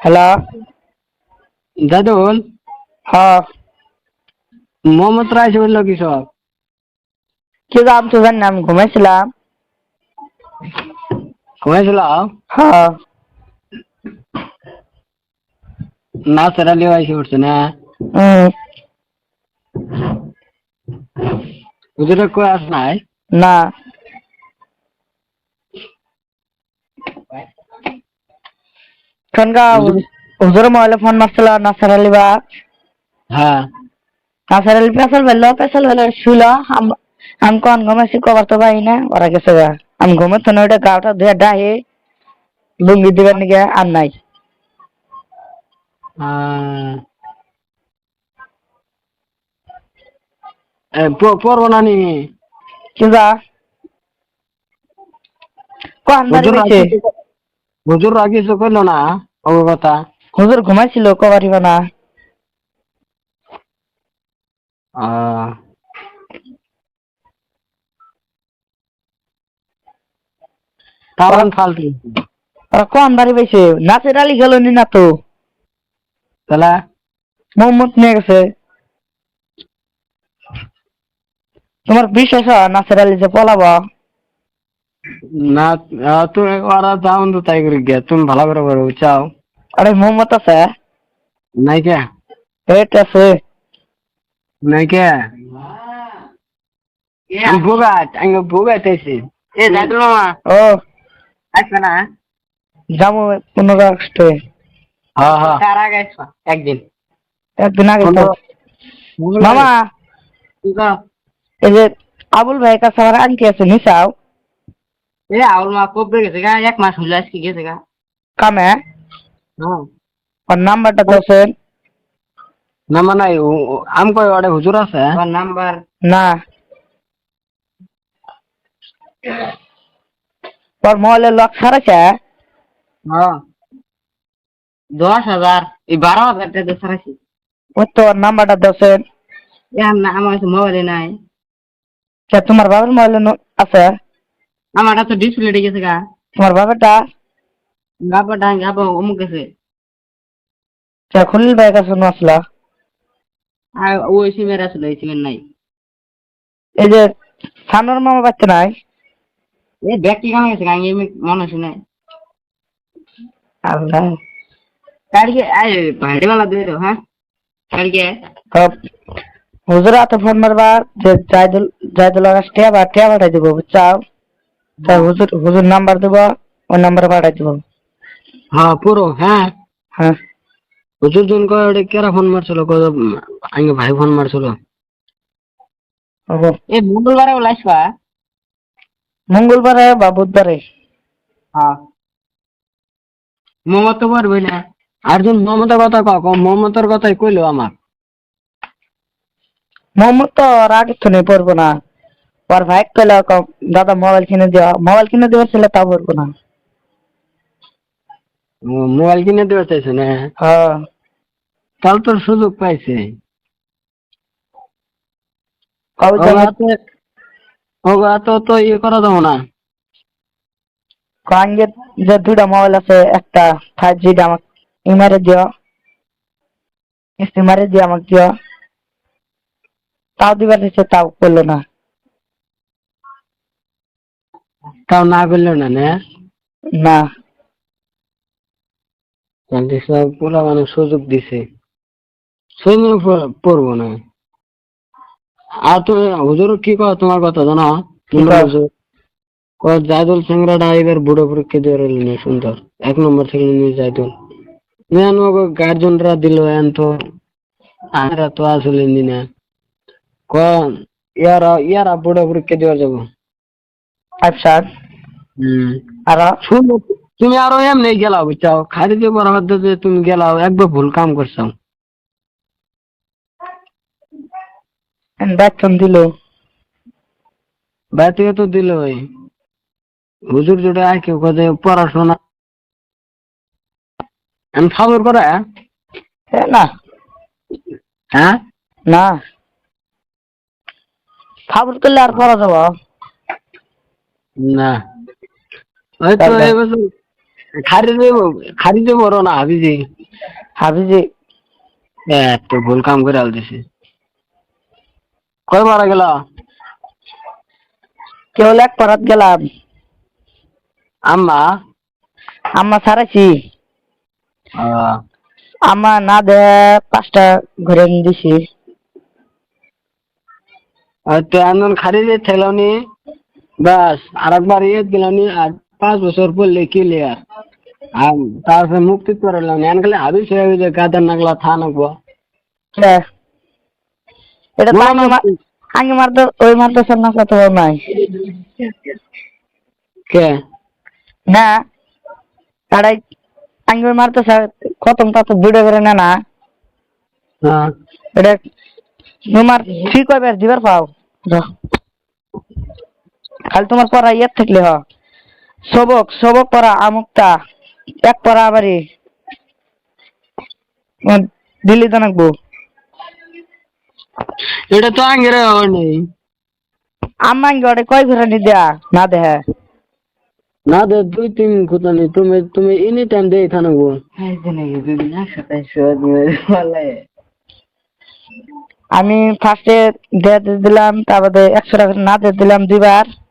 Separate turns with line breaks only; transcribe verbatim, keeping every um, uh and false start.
Hello.
দাদুল।
হ্যাঁ।
Mohammad rice বললো কি সব?
কি আমি তো জানি না, আমি ঘুমাইছিলাম।
ঘুমাইছিলাম।
হ্যাঁ।
নাসের আলী আইসে উঠছে না?
হুম।
হুজুরে কই আস নাই?
না। সন্ধ্যা
হুজুর।
হুজুর মোবাইলে ফোন মারছিল নাসার আলী বা
হ্যাঁ।
নাসার আলী পেশাল বেললো পেশাল বেলে শুইল। আম- আমি কোন ঘুমাইছি কবার তো পাই না, ওরা গেছে গা। আমি ঘুমাতো না, ওইটা গাওটা ধুয়ে ডাহে লুঙ্গি দিবার নিগে আর নাই।
আহ, এ, প- পড়বো না নি?
কিবা কোন বাড়ি
হুজুর
পাইছে?
রাখি হুজুর রাখি কিছু করলো না ও কথা?
হুজুর ঘুমাইছিল কবার না।
আহ,
ওরা
তামান ফালতু।
ওরা কোন বাড়ি পাইছে? নাসের আলী গেল নি না তো,
তাহলে
মোহাম্মদ নিয়ে গেছে। তোমার বিশ্বাস হয় নাসের আলী যে পলাবো?
না। আহ, তুমি ওরা যাও তো তাই করে গিয়া তুমি ভালো করে বলো চাও।
আরে মোহাম্মদ আছে,
নাই কে?
হেট আছে।
নাই কে? আমি ভোগাট আমি ভোগাট আইছি। এ দাদু মামা
ও
আসবে না?
যাবো পনেরো আগস্টে।
হ্যাঁ হ্যাঁ, তার আগে আসবা একদিন।
একদিন আগে তো।
পনেরো মঙ্গলবারে।
মামা,
কি কও?
এই যে আবুল ভাই কাছে আমার আংটি আছে, নিচাও
এ আউল মা কবে গেছে গা? এক মাস হইলো আজকে গেছে গা।
কামে।
হ্যাঁ।
ওর নাম্বারটা দোষেন।
নাম্বার নাই। আম কই ওটা হুজুর আছে নাম্বার?
না, ওর মোবাইলে লক সারাছে।
হ্যাঁ। দশ হাজার, এই বারো হাজার টাকা ছাড়াইছি।
ওই তো ওর নাম্বারটা দোষেন।
এখন না আমার কাছে মোবাইলে নাই।
তোমার বাবার মোবাইলে আছে?
আমারটা তো ডিসপ্লে গেছে গা।
তোমার বাবারটা
গাবা ডাং গাবা অমুক গেছে।
খলিল ভাই কাছে আসলা।
আর ওই সিমের আসলে এই সিমের নাই।
এই যে সানোর মামা বাচ্চা নাই?
এই ব্যাগ কি কামে গেছে গা? আমি এমনি মনে শুনে
আল্লাহ।
কালকে আই ভাড়িওয়ালা দিয়ে দাও। হ্যাঁ কালকে।
হুজুরা তো ফোন মারবা যে জায়দুল জায়দুল আকাশ টিয়া বা টিয়া পাঠাই দিব, বুঝছাও? তাই হুজুর হুজুর নাম্বার দেবো, ওই নাম্বারে পাঠাই দিব।
হ্যাঁ পুরো হ্যাঁ।
হ্যাঁ।
হুজুর জন কয় ওটা কেরা ফোন মারছিল? কয় আঙ্গে ভাই ফোন মারছিল।
হবো
এ মঙ্গলবারে ওলা আসবা?
মঙ্গলবারে বা বুধবারে।
হ্যাঁ। মমতা তো পারবই না। আরেকজন মমতার কথা ক মমতার কথাই কইলো আমার।
মোহাম্মদ তো ওর আগে তো নেই পড়বো না। ওর ভাই কইলো ক- দাদা মোবাইল কিনে দেওয়া, মোবাইল কিনে দেওয়ার ছিল তা পড়বো না।
ও, মোবাইল কিনে দিতে চাইছে না?
হ্যাঁ।
তাহলে তোর সুযোগ পাইছে।
কবে যাবে?
ওগা তো ওগা তো তো ইয়ে করা যাবো না।
কাঙ্গের যে দুইটা মোবাইল আছে, একটা ফাইভ জি আমাকে ইমারে দিও, ইমারে দিয়ে আমাকে দিও। তাও দিবার দিচ্ছে, তাও করলো না।
তাও না করলো না না?
না।
তাহলে সব পুরা মানে সুযোগ দিছে। সুযোগ প- পড়বো না। আর তুমি হুজুর কি কয় তোমার কথা জানো?
কি
মুন্ডল
কর?
হুজুর কয় জায়দুল সিংড়াটা এবার বুড়ো পরীক্ষা দিয়ে রইল সুন্দর। এক নম্বর থেকে নিয়ে জায়দুল গার্জেনরা দিল এন তো আমরা তো আসলে নি না। কন ইয়ারা ইয়ারা বুড়ো পরীক্ষা দেওয়া যাবো।
ফাইভ সাত।
হম।
আর
শুনো, তুমি আরো এমনি গেলাও বুঝছাও, খালি দিয়ে বরাবর যে তুমি গেলাও একবার ভুল কাম করছো।
বেতন দিল।
বাইরে থেকে তো দিল ওই হুজুর যেটা আর কেউ কথা পড়াশোনা আমি ফাউল করে।
এ না।
হ্যাঁ।
না, ফাবুল করলে আর পড়া যাব?
না ওই তো
তাহলে
এই বছর খারিজে খারিজে বড় না হাবিজি
হাবিজি
এত ভুল কাম করে আল দিছে কয় মারা গেল
কেবল এক পরাত গেলাম
আম্মা
আম্মা ছাড়াইছি
আহ,
আম্মা না দে পাঁচটা ঘুরে দিছি
আর তো এমন খারিজে ঠেলানি বাস আর একবার ইয়ে গেলানি আর পাঁচ বছর পড়লে ক্লিয়ার আর তারপরে মুক্তি করে এলাম এন গেলে হাবিজ হয়ে গেছে গাদার নাগলা থা নাকবো
কে? এটা তো
না,
আগে
না,
মার আগে মারতে ওই মারতেছেন না কত নাই
কে
না তারাই আগে ওই মারতেছে খতম তা তো ভিডিও করে না না
হ্যাঁ
এটা তোমার ঠিক হবে দিবার পাও যাও। খালি তোমার পড়া ইয়ে থাকলে হ সবক সবক পড়া আমুকটা এক পড়া আবারই দিল্লি তো নাকবো
এটা তো আঙ্গের নেই
আম্মা ওটা কয় ঘুরে নি দেয়া না দেহে
না দে দুই তিন কথা নেই তুমি তুমি এনি টাইম দিয়ে থাকবো
আমি ফার্স্টে দিয়ে দিলাম তারপরে একশো টাকা না দিয়ে দিলাম দুইবার